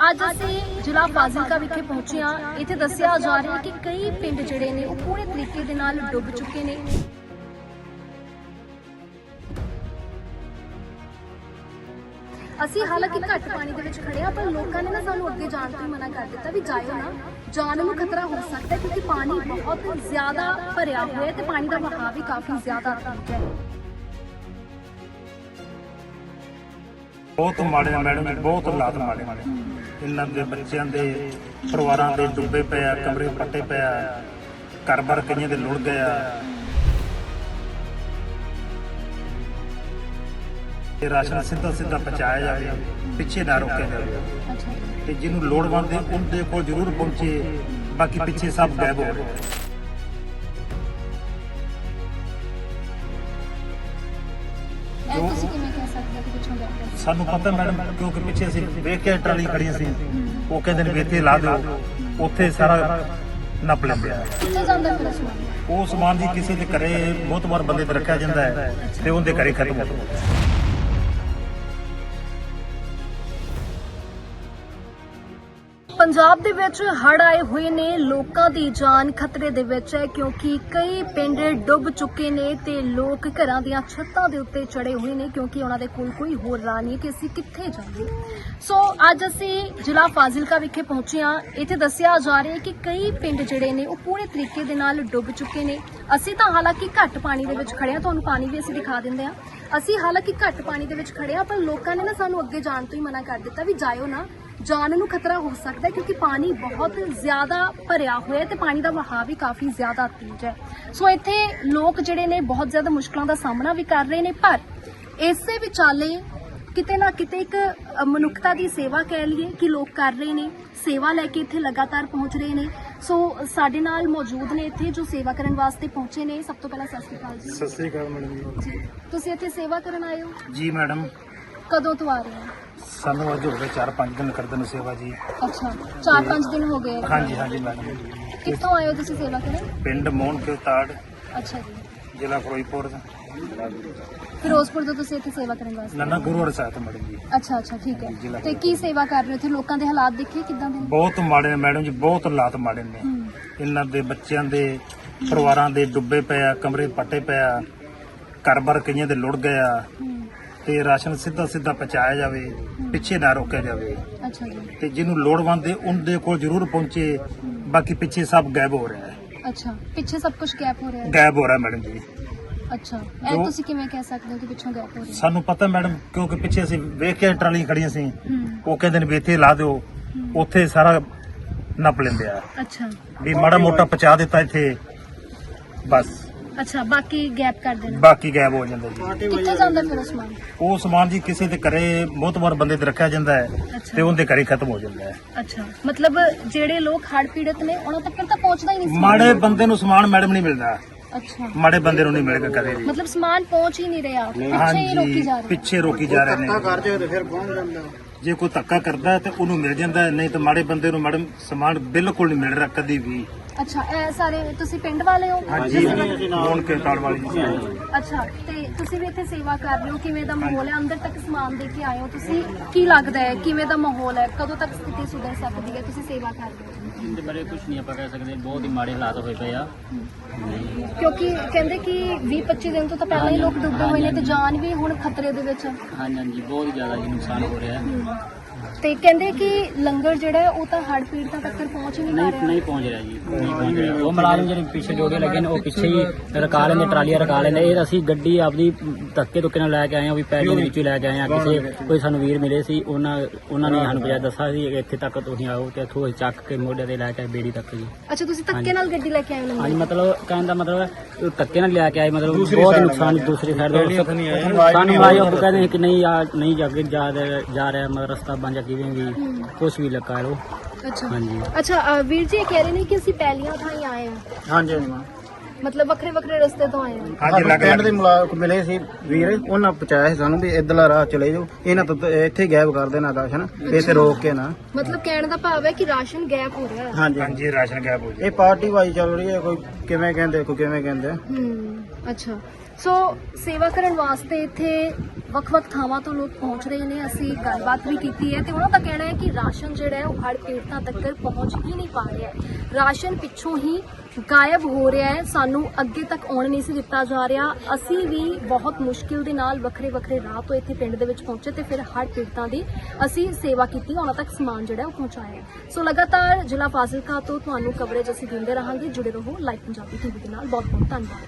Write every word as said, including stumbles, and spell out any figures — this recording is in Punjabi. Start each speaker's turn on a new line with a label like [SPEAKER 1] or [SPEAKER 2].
[SPEAKER 1] ਅੱਜ ਅਸੀਂ ਜ਼ਿਲ੍ਹਾ ਫਾਜ਼ਿਲਕਾ ਵਿਖੇ ਪਹੁੰਚੇ ਹਾਂ। ਇੱਥੇ ਦੱਸਿਆ ਜਾ ਰਿਹਾ ਕਿ ਕਈ ਪਿੰਡ ਜਿਹੜੇ ਨੇ ਉਹ ਪੂਰੇ ਤਰੀਕੇ ਦੇ ਨਾਲ ਡੁੱਬ ਚੁੱਕੇ ਨੇ। ਅਸੀਂ ਹਾਲਾਂਕਿ ਘੱਟ ਪਾਣੀ ਦੇ ਵਿੱਚ ਖੜੇ ਆ, ਪਰ ਲੋਕਾਂ ਨੇ ਨਾ ਸਾਨੂੰ ਅੱਗੇ ਜਾਣ ਤੋਂ ਮਨਾ ਕਰ ਦਿੱਤਾ ਵੀ ਜਾਇਓ ਨਾ, ਜਾਨ ਨੂੰ ਖਤਰਾ ਹੋ ਸਕਦਾ ਹੈ ਕਿਉਂਕਿ ਪਾਣੀ ਬਹੁਤ ਜ਼ਿਆਦਾ ਭਰਿਆ ਹੋਇਆ ਹੈ ਤੇ ਪਾਣੀ ਦਾ ਵਹਾਅ ਵੀ ਕਾਫੀ ਜ਼ਿਆਦਾ ਤੇਜ਼ ਹੈ।
[SPEAKER 2] ਬਹੁਤ ਮਾੜੇ ਨੇ ਮੈਡਮ ਜੀ, ਬਹੁਤ ਹਾਲਾਤ ਮਾੜੇ ਮਾੜੇ ਇਹਨਾਂ ਦੇ ਬੱਚਿਆਂ ਦੇ ਪਰਿਵਾਰਾਂ ਦੇ ਡੁੱਬੇ ਪਏ ਆ, ਕਮਰੇ ਫੱਟੇ ਪਏ ਆ, ਘਰ-ਬਾਰ ਕਈਆਂ ਦੇ ਲੁੜ ਗਏ ਆ। ਇਹ ਰਾਸ਼ਨ ਸਿੱਧਾ ਸਿੱਧਾ ਪਹੁੰਚਾਇਆ ਜਾਵੇ, ਪਿੱਛੇ ਨਾ ਰੋਕਿਆ ਜਾਵੇ ਤੇ ਜਿਹਨੂੰ ਲੋੜਵੰਦ ਹੈ ਉਹਦੇ ਕੋਲ ਜ਼ਰੂਰ ਪਹੁੰਚੇ, ਬਾਕੀ ਪਿੱਛੇ ਸਭ ਗਾਇਬ ਹੋ ਰਹੇ।
[SPEAKER 1] ਇਹ ਤੁਸੀਂ ਕਿਵੇਂ ਕਹਿ ਸਕਦੇ ਹੋ ਕਿ ਪਿੱਛੋਂ ਗਾਇਬ ਹੈ?
[SPEAKER 2] ਸਾਨੂੰ ਪਤਾ ਮੈਡਮ, ਕਿਉਂਕਿ ਪਿੱਛੇ ਅਸੀਂ ਵੇਖ ਕੇ ਟਰਾਲੀ ਖੜੀ ਸੀ, ਉਹ ਕਹਿੰਦੇ ਨੇ ਵੀ ਇੱਥੇ ਲਾ ਦਿਓ, ਉੱਥੇ ਸਾਰਾ ਨੱਪ ਲੈਂਦੇ ਆ।
[SPEAKER 1] ਕਿੱਥੇ ਜਾਂਦਾ ਫਿਰ ਸਮਾਨ?
[SPEAKER 2] ਉਹ ਸਮਾਨ ਜੀ ਕਿਸੇ ਦੇ ਘਰੇ ਬਹੁਤ ਵਾਰ ਬੰਦੇ ਤੇ ਰੱਖਿਆ ਜਾਂਦਾ ਹੈ ਤੇ ਉਹਦੇ ਘਰੇ ਖਤਮ ਹੋ ਜਾਂਦਾ।
[SPEAKER 1] ਪੰਜਾਬ ਦੇ ਵਿੱਚ ਹੜ੍ਹ ਆਏ ਹੋਏ ਨੇ, ਲੋਕਾਂ ਦੀ ਜਾਨ ਖਤਰੇ ਦੇ ਵਿੱਚ ਹੈ ਕਿਉਂਕਿ ਕਈ ਪਿੰਡ ਡੁੱਬ ਚੁੱਕੇ ਨੇ ਤੇ ਲੋਕ ਘਰਾਂ ਦੀਆਂ ਛੱਤਾਂ ਦੇ ਉੱਤੇ ਚੜੇ ਹੋਏ ਨੇ ਕਿਉਂਕਿ ਉਹਨਾਂ ਦੇ ਕੋਲ ਕੋਈ ਹੋਰ ਰਾਹ ਨਹੀਂ ਕਿ ਅਸੀਂ ਕਿੱਥੇ ਜਾਈਏ। ਸੋ ਅੱਜ ਅਸੀਂ ਜ਼ਿਲ੍ਹਾ ਫਾਜ਼ਿਲਕਾ ਵਿਖੇ ਪਹੁੰਚੇ ਹਾਂ। ਇੱਥੇ ਦੱਸਿਆ ਜਾ ਰਿਹਾ ਕਿ ਕਈ ਪਿੰਡ ਜਿਹੜੇ ਨੇ ਉਹ ਪੂਰੇ ਤਰੀਕੇ ਦੇ ਨਾਲ ਡੁੱਬ ਚੁੱਕੇ ਨੇ। ਅਸੀਂ ਤਾਂ ਹਾਲਾਂਕਿ ਘੱਟ ਪਾਣੀ ਦੇ ਵਿੱਚ ਖੜੇ ਹਾਂ, ਤੁਹਾਨੂੰ ਪਾਣੀ ਵੀ ਅਸੀਂ ਦਿਖਾ ਦਿੰਦੇ ਹਾਂ। ਅਸੀਂ ਹਾਲਾਂਕਿ ਘੱਟ ਪਾਣੀ ਦੇ ਵਿੱਚ ਖੜੇ ਹਾਂ, ਪਰ ਲੋਕਾਂ ਨੇ ਨਾ ਸਾਨੂੰ ਅੱਗੇ ਜਾਣ ਤੋਂ ਹੀ ਮਨਾ ਕਰ ਦਿੱਤਾ ਵੀ ਜਾਇਓ ਨਾ, ਜਾਨ ਨੂੰ ਖਤਰਾ ਹੋ ਸਕਦਾ ਹੈ ਕਿਉਂਕਿ ਪਾਣੀ ਬਹੁਤ ਜ਼ਿਆਦਾ ਭਰਿਆ ਹੋਇਆ ਹੈ ਤੇ ਪਾਣੀ ਦਾ ਵਹਾਅ ਵੀ ਕਾਫੀ ਜ਼ਿਆਦਾ ਤੇਜ਼ ਹੈ। ਸੋ ਇੱਥੇ ਲੋਕ ਜਿਹੜੇ ਨੇ ਬਹੁਤ ਜ਼ਿਆਦਾ ਮੁਸ਼ਕਲਾਂ ਦਾ ਸਾਹਮਣਾ ਵੀ ਕਰ ਰਹੇ ਨੇ, ਪਰ ਇਸੇ ਵਿਚਾਲੇ ਕਿਤੇ ਨਾ ਕਿਤੇ ਇੱਕ ਮਨੁੱਖਤਾ ਦੀ ਸੇਵਾ ਕਹਿ ਲਈਏ ਕਿ ਲੋਕ ਕਰ ਰਹੇ ਨੇ, ਸੇਵਾ ਲੈ ਕੇ ਇੱਥੇ ਲਗਾਤਾਰ ਪਹੁੰਚ ਰਹੇ ਨੇ। ਸੋ ਸਾਡੇ ਨਾਲ ਮੌਜੂਦ ਨੇ ਇੱਥੇ ਜੋ ਸੇਵਾ ਕਰਨ ਵਾਸਤੇ ਪਹੁੰਚੇ ਨੇ। ਸਭ ਤੋਂ ਪਹਿਲਾਂ ਸਤਿ ਸ਼੍ਰੀ ਅਕਾਲ ਜੀ।
[SPEAKER 2] ਸਤਿ ਸ੍ਰੀ ਅਕਾਲ ਮੈਡਮ
[SPEAKER 1] ਜੀ, ਤੁਸੀਂ ਇੱਥੇ ਸੇਵਾ ਕਰਨ ਆਏ ਹੋ?
[SPEAKER 2] ਜੀ ਮੈਡਮ,
[SPEAKER 1] ਕਦੋਂ ਤੋਂ ਆ ਰਹੇ ਹੋ?
[SPEAKER 2] ਸਾਨੂੰ ਅੱਜ ਹੋ ਗਏ ਚਾਰ ਪੰਜ ਦਿਨ ਕਰਦੇ ਨੂੰ ਸੇਵਾ ਜੀ।
[SPEAKER 1] ਅੱਛਾ, ਚਾਰ ਪੰਜ ਦਿਨ ਹੋ ਗਏ।
[SPEAKER 2] ਹਾਂਜੀ ਹਾਂਜੀ ਮੈਡਮ।
[SPEAKER 1] ਕਿੱਥੋਂ ਆਏ ਹੋ ਤੁਸੀਂ ਸੇਵਾ ਕਰਨ?
[SPEAKER 2] ਪਿੰਡ ਮੋਹਨ ਕੇ ਤਾੜ,
[SPEAKER 1] ਅੱਛਾ ਜੀ,
[SPEAKER 2] ਜ਼ਿਲ੍ਹਾ ਫਿਰੋਜ਼ਪੁਰ,
[SPEAKER 1] ਫਿਰੋਜ਼ਪੁਰ ਤੋਂ ਤੁਸੀਂ ਇੱਥੇ ਸੇਵਾ ਕਰਨ ਵਾਸਤੇ?
[SPEAKER 2] ਨੰਨਾ ਗੁਰੂਵਾਰ ਸਾਹਿਬ ਮੈਡਮ ਜੀ।
[SPEAKER 1] ਅੱਛਾ ਅੱਛਾ, ਠੀਕ ਹੈ। ਤੇ ਕੀ ਸੇਵਾ ਕਰ ਰਹੇ ਹੋ ਇੱਥੇ? ਲੋਕਾਂ ਦੇ ਹਾਲਾਤ ਦੇਖੇ ਕਿੱਦਾਂ ਦੇ ਨੇ?
[SPEAKER 2] ਬਹੁਤ ਮਾੜੇ ਨੇ ਮੈਡਮ ਜੀ, ਬਹੁਤ ਹਾਲਾਤ ਮਾੜੇ ਨੇ।
[SPEAKER 1] ਹੂੰ।
[SPEAKER 2] ਇਹਨਾਂ ਦੇ ਬੱਚਿਆਂ ਦੇ ਪਰਿਵਾਰਾਂ ਦੇ ਡੁੱਬੇ ਪਏ ਆ, ਕਮਰੇ ਫੱਟੇ ਪਏ ਆ, ਘਰ-ਬਾਰ ਕਈਆਂ ਦੇ ਲੁੜ ਗਏ ਆ
[SPEAKER 1] ਹੂੰ।
[SPEAKER 2] ਤੇ ਰਾਸ਼ਨ ਸਿੱਧਾ ਸਿੱਧਾ ਪਹੁੰਚਾਇਆ ਜਾਵੇ, ਪਿੱਛੇ ਨਾ ਰੋਕਿਆ ਜਾਵੇ
[SPEAKER 1] ਅੱਛਾ ਜੀ।
[SPEAKER 2] ਤੇ ਜਿਹਨੂੰ ਲੋੜਵੰਦ ਹੈ ਉਹਦੇ ਕੋਲ ਜ਼ਰੂਰ ਪਹੁੰਚੇ, ਬਾਕੀ ਪਿੱਛੇ ਸਭ ਗਾਇਬ ਹੋ ਰਿਹਾ ਹੈ।
[SPEAKER 1] ਅੱਛਾ, ਪਿੱਛੇ ਸਭ ਕੁਝ ਗੈਪ ਹੋ ਰਿਹਾ ਹੈ?
[SPEAKER 2] ਗਾਇਬ ਹੋ ਰਿਹਾ ਮੈਡਮ ਜੀ।
[SPEAKER 1] ਅੱਛਾ, ਇਹ ਤੁਸੀਂ ਕਿਵੇਂ ਕਹਿ ਸਕਦੇ ਹੋ ਕਿ ਪਿੱਛੋਂ ਗੈਪ ਹੋ ਰਿਹਾ ਹੈ?
[SPEAKER 2] ਸਾਨੂੰ ਪਤਾ ਮੈਡਮ, ਕਿਉਂਕਿ ਪਿੱਛੇ ਅਸੀਂ ਵੇਖ ਕੇ ਟਰਾਲੀ ਖੜੀਆਂ ਸੀ,
[SPEAKER 1] ਹੂੰ।
[SPEAKER 2] ਉਹ ਕਹਿੰਦੇ ਨੇ ਵੀ ਇੱਥੇ ਲਾ ਦਿਓ, ਉੱਥੇ ਸਾਰਾ ਨੱਪ ਲੈਂਦੇ ਆ
[SPEAKER 1] ਅੱਛਾ
[SPEAKER 2] ਵੀ ਮਾੜਾ ਮੋਟਾ ਪਹੁੰਚਾ ਦਿੱਤਾ ਇੱਥੇ ਬਸ,
[SPEAKER 1] ਅੱਛਾ, ਬਾਕੀ ਗੈਪ ਕਰ ਦੇਣਾ।
[SPEAKER 2] ਬਾਕੀ ਗਾਇਬ ਹੋ ਜਾਂਦਾ ਜੀ।
[SPEAKER 1] ਕਿੱਥੇ ਜਾਂਦਾ ਫਿਰ ਉਹ ਸਮਾਨ?
[SPEAKER 2] ਉਹ ਸਮਾਨ ਜੀ ਕਿਸੇ ਦੇ ਘਰੇ ਬਹੁਤ ਵਾਰ ਬੰਦੇ ਤੇ ਰੱਖਿਆ ਜਾਂਦਾ ਹੈ
[SPEAKER 1] ਅੱਛਾ।
[SPEAKER 2] ਤੇ ਉਹਦੇ ਘਰੇ ਖਤਮ ਹੋ ਜਾਂਦਾ ਹੈ।
[SPEAKER 1] ਅੱਛਾ, ਮਤਲਬ ਜਿਹੜੇ ਲੋਕ ਹੜ੍ਹ ਪੀੜਤ ਨੇ ਉਹਨਾਂ ਤੱਕ ਤਾਂ ਪਹੁੰਚਦਾ ਹੀ ਨਹੀਂ ਸਮਾਨ?
[SPEAKER 2] ਮਾੜੇ ਬੰਦੇ ਨੂੰ ਸਮਾਨ ਮੈਡਮ ਨਹੀਂ ਮਿਲਦਾ,
[SPEAKER 1] ਅੱਛਾ,
[SPEAKER 2] ਮਾੜੇ ਬੰਦੇ ਨੂੰ ਨਹੀਂ ਮਿਲੇਗਾ ਕਦੇ ਵੀ।
[SPEAKER 1] ਮਤਲਬ ਸਮਾਨ ਪਹੁੰਚ ਹੀ ਨਹੀਂ ਰਿਹਾ, ਪਿੱਛੇ ਹੀ ਰੋਕੀ
[SPEAKER 2] ਹਾਂਜੀ,
[SPEAKER 1] ਜਾ ਰਹੀ ਹੈ।
[SPEAKER 2] ਪਿੱਛੇ ਰੋਕੀ ਜਾ ਰਹੇ ਨੇ।
[SPEAKER 3] ਕਰ ਜਾਏ ਤੇ ਫਿਰ ਪਹੁੰਚ ਜਾਂਦਾ।
[SPEAKER 2] ਜੇ ਕੋਈ ਧੱਕਾ ਕਰਦਾ ਹੈ ਤੇ ਉਹਨੂੰ ਮਿਲ ਜਾਂਦਾ ਹੈ, ਨਹੀਂ ਤਾਂ ਮਾੜੇ ਬੰਦੇ ਨੂੰ ਮੈਡਮ ਸਮਾਨ ਬਿਲਕੁਲ ਨਹੀਂ ਮਿਲ ਰਿਹਾ ਕਦੀ ਵੀ।
[SPEAKER 1] ਅੱਛਾ, ਇਹ ਸਾਰੇ ਤੁਸੀਂ ਪਿੰਡ ਵਾਲੇ ਹੋ?
[SPEAKER 2] ਹਾਂਜੀ, ਮੋਹਨ ਕੇ ਤਾੜ ਵਾਲੀ ਜੀ।
[SPEAKER 1] ਅੱਛਾ, ਤੇ ਤੁਸੀਂ ਵੀ ਇੱਥੇ ਸੇਵਾ ਕਰ ਰਹੇ ਹੋ, ਕਿਵੇਂ ਦਾ ਮਾਹੌਲ ਹੈ? ਅੰਦਰ ਤੱਕ ਸਮਾਨ ਦੇ ਕੇ ਆਏ ਹੋ ਤੁਸੀਂ, ਕੀ ਲੱਗਦਾ ਹੈ ਕਿਵੇਂ ਦਾ ਮਾਹੌਲ ਹੈ? ਕਦੋਂ ਤੱਕ ਸਥਿਤੀ ਸੁਧਰ ਸਕਦੀ ਹੈ? ਤੁਸੀਂ ਸੇਵਾ ਕਰ ਰਹੇ ਹੋ?
[SPEAKER 4] ਇਹਦੇ ਬਾਰੇ ਕੁਝ ਨਹੀਂ ਆਪਾਂ ਕਹਿ ਸਕਦੇ, ਬਹੁਤ ਹੀ ਮਾੜੇ ਹਾਲਾਤ ਹੋਏ ਪਏ ਆ।
[SPEAKER 1] ਕਿਉਂਕਿ ਕਹਿੰਦੇ ਕਿ ਵੀਹ ਪੱਚੀ ਦਿਨ ਤੋਂ ਤਾਂ ਪਹਿਲਾਂ ਹੀ ਲੋਕ ਡੁੱਬੇ ਹੋਏ ਨੇ ਤੇ ਜਾਨ ਵੀ ਹੁਣ ਖਤਰੇ ਦੇ ਵਿੱਚ ਹੈ।
[SPEAKER 4] ਹਾਂਜੀ ਹਾਂਜੀ, ਬਹੁਤ ਜ਼ਿਆਦਾ ਜੀ ਨੁਕਸਾਨ ਹੋ ਰਿਹਾ ਹੈ।
[SPEAKER 1] ਤੇ ਕਹਿੰਦੇ ਕਿ ਲੰਗਰ ਜਿਹੜਾ ਹੈ ਉਹ ਤਾਂ ਹੜ੍ਹ ਪੀੜਤਾਂ ਤੱਕ ਪਹੁੰਚ ਹੀ ਨਹੀਂ ਪਾ
[SPEAKER 4] ਨਹੀਂ
[SPEAKER 1] ਰਿਹਾ।
[SPEAKER 4] ਨਹੀਂ ਪਹੁੰਚ ਰਿਹਾ ਜੀ, ਨਹੀਂ ਪਹੁੰਚ ਰਿਹਾ। ਉਹ ਮੁਲਾਜ਼ਮ ਜਿਹੜੇ ਪਿੱਛੇ ਜੋੜੇ ਲੱਗੇ ਨੇ ਉਹ ਪਿੱਛੇ ਹੀ ਰਕਾ ਲੈਂਦੇ, ਟਰਾਲੀਆਂ ਰਕਾ ਲੈਂਦੇ। ਇਹ ਅਸੀਂ ਗੱਡੀ ਆਪਦੀ ਧੱਕੇ ਧੁੱਕੇ ਨਾਲ ਲੈ ਕੇ ਆਏ ਹਾਂ, ਵੀ ਪੈਲੀ ਦੇ ਵਿੱਚੋਂ ਲੈ ਕੇ ਆਏ ਹਾਂ। ਕਿਸੇ ਕੋਈ ਸਾਨੂੰ ਵੀਰ ਮਿਲੇ ਸੀ, ਉਹਨਾਂ ਉਹਨਾਂ ਨੇ ਸਾਨੂੰ ਪਜਾ ਦੱਸਿਆ ਸੀ ਕਿ ਇੱਥੇ ਤੱਕ ਤੁਸੀਂ ਆਓ ਤੇ ਇੱਥੋਂ ਚੱਕ ਕੇ ਮੋਢੇ ਤੇ ਲੈ ਕੇ ਆਏ ਬੇੜੀ ਤੱਕ ਜੀ।
[SPEAKER 1] ਅੱਛਾ, ਤੁਸੀਂ ਧੱਕੇ ਨਾਲ ਗੱਡੀ ਲੈ ਕੇ ਆਏ ਹੋ?
[SPEAKER 4] ਹਾਂਜੀ, ਮਤਲਬ ਕਹਿਣ ਦਾ ਮਤਲਬ ਹੈ ਧੱਕੇ ਨਾਲ ਲੈ ਕੇ ਆਏ, ਮਤਲਬ ਬਹੁਤ ਨੁਕਸਾਨ ਦੂਸਰੀ ਸਾਈਡ ਦੇ ਸਾਨੂੰ ਮੁਲਾਜ਼ਮ ਕਹਿੰਦੇ ਸੀ ਕਿ ਨਹੀਂ ਆ ਨਹੀਂ ਜਾ ਕੇ ਜਾ ਜਾ ਰਿਹਾ, ਮਤਲਬ ਰਸਤਾ ਬਣ ਜਾ ਕਿਵੇਂ ਵੀ ਕੁਛ ਵੀ ਲਗਾ ਲਓ।
[SPEAKER 1] ਅੱਛਾ
[SPEAKER 4] ਹਾਂਜੀ।
[SPEAKER 1] ਅੱਛਾ, ਅ, ਵੀਰ ਜੀ ਇਹ ਕਹਿ ਰਹੇ ਨੇ ਕਿ ਅਸੀਂ ਪਹਿਲੀਆਂ ਥਾਂ ਹੀ ਆਏ ਹਾਂ,
[SPEAKER 3] ਹਾਂਜੀ ਹਾਂਜੀ।
[SPEAKER 1] ਮਤਲਬ ਵੱਖਰੇ ਵੱਖਰੇ ਰਸਤੇ ਤੋਂ ਆਏ ਹਾਂ।
[SPEAKER 2] ਹਾਂਜੀ, ਲੱਗ
[SPEAKER 3] ਪਿੰਡ ਦੇ ਮੁਲਾਕ ਮਿਲੇ ਸੀ ਵੀਰ, ਉਹਨਾਂ ਪਹੁੰਚਾਇਆ ਸੀ ਸਾਨੂੰ ਵੀ ਇੱਧਰਲਾ ਰਾਹ ਚਲੇ ਜਾਓ, ਇਹਨਾਂ ਤੋਂ ਤਾਂ ਇੱਥੇ ਹੀ ਗਾਇਬ ਕਰ ਦੇਣਾ ਰਾਸ਼ਨ, ਇੱਥੇ ਰੋਕ ਕੇ ਨਾ।
[SPEAKER 1] ਮਤਲਬ ਕਹਿਣ ਦਾ ਭਾਵ ਹੈ ਕਿ ਰਾਸ਼ਨ ਗੈਪ ਹੋ ਰਿਹਾ ਹੈ।
[SPEAKER 3] ਹਾਂਜੀ
[SPEAKER 2] ਹਾਂਜੀ, ਰਾਸ਼ਨ ਗਾਇਬ ਹੋ
[SPEAKER 3] ਇਹ ਪਾਰਟੀ ਵਾਈ ਚੱਲ ਰਹੀ ਹੈ, ਕੋਈ ਕਿਵੇਂ ਕਹਿੰਦੇ ਕੋਈ ਕਿਵੇਂ ਕਹਿੰਦੇ।
[SPEAKER 1] ਹੂੰ, ਅੱਛਾ, ਸੋ ਸੇਵਾ ਕਰਨ ਵਾਸਤੇ ਇੱਥੇ ਵੱਖ-ਵੱਖ ਥਾਵਾਂ ਤੋਂ ਲੋਕ ਪਹੁੰਚ ਰਹੇ ਨੇ। ਅਸੀਂ ਗੱਲਬਾਤ ਵੀ ਕੀਤੀ ਹੈ ਤੇ ਉਹਨਾਂ ਦਾ ਕਹਿਣਾ ਹੈ ਕਿ ਰਾਸ਼ਨ ਜਿਹੜਾ ਹੈ ਉਹ ਹੜ੍ਹ ਪੀੜਤਾਂ ਤੱਕ ਪਹੁੰਚ ਹੀ ਨਹੀਂ ਪਾ ਰਿਹਾ ਹੈ। ਰਾਸ਼ਨ ਪਿੱਛੋਂ ਹੀ ਗਾਇਬ ਹੋ ਰਿਹਾ ਹੈ, ਸਾਨੂੰ ਅੱਗੇ ਤੱਕ ਆਉਣ ਨਹੀਂ ਸੀ ਦਿੱਤਾ ਜਾ ਰਿਹਾ। ਅਸੀਂ ਵੀ ਬਹੁਤ ਮੁਸ਼ਕਿਲ ਦੇ ਨਾਲ ਵੱਖਰੇ ਵੱਖਰੇ ਰਾਹ ਤੋਂ ਇੱਥੇ ਪਿੰਡ ਦੇ ਵਿੱਚ ਪਹੁੰਚੇ ਤੇ ਫਿਰ ਹੜ੍ਹ ਪੀੜਤਾਂ ਦੀ ਅਸੀਂ ਸੇਵਾ ਕੀਤੀ, ਉਹਨਾਂ ਤੱਕ ਸਮਾਨ ਜਿਹੜਾ ਉਹ ਪਹੁੰਚਾਇਆ। ਸੋ ਲਗਾਤਾਰ ਜ਼ਿਲ੍ਹਾ ਫਾਜ਼ਿਲਕਾ ਤੋਂ ਤੁਹਾਨੂੰ ਕਵਰੇਜ ਅਸੀਂ ਦਿੰਦੇ ਰਹਾਂਗੇ। ਜੁੜੇ ਰਹੋ ਲਾਈਵ ਪੰਜਾਬੀ ਟੀਵੀ ਦੇ ਨਾਲ। ਬਹੁਤ ਬਹੁਤ ਧੰਨਵਾਦ।